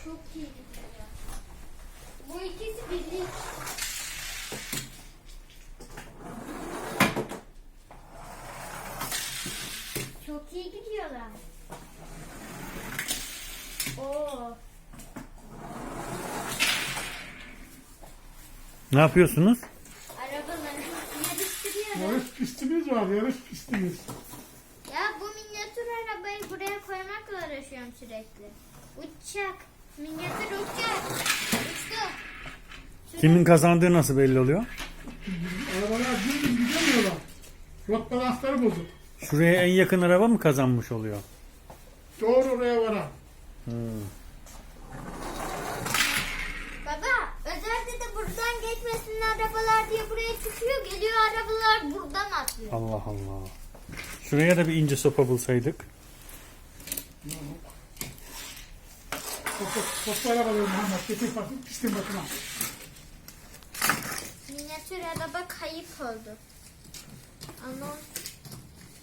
çok iyi gidiyor. Bu ikisi birlik. Çok iyi gidiyorlar. Oo. Ne yapıyorsunuz? Arabaları yarıştırıyoruz. Yarış pistimiz var, yarış pistimiz. Ya bu minyatür arabayı buraya koymakla uğraşıyorum sürekli. Uçacak. Minyatür uçacak. Uçtu. Kimin kazandığı nasıl belli oluyor? Arabalar düz gidemiyorlar. Rot balansları bozuk. Şuraya en yakın araba mı kazanmış oluyor? Doğru oraya varan. Baba özellikle de buradan geçmesin arabalar diye buraya çıkıyor. Geliyor arabalar buradan atlıyor. Allah Allah. Şuraya da bir ince sopa bulsaydık. Toplu arabaları Muhammed. Getir bakayım pistin bakına. Minyatür araba kayıp oldu. Ama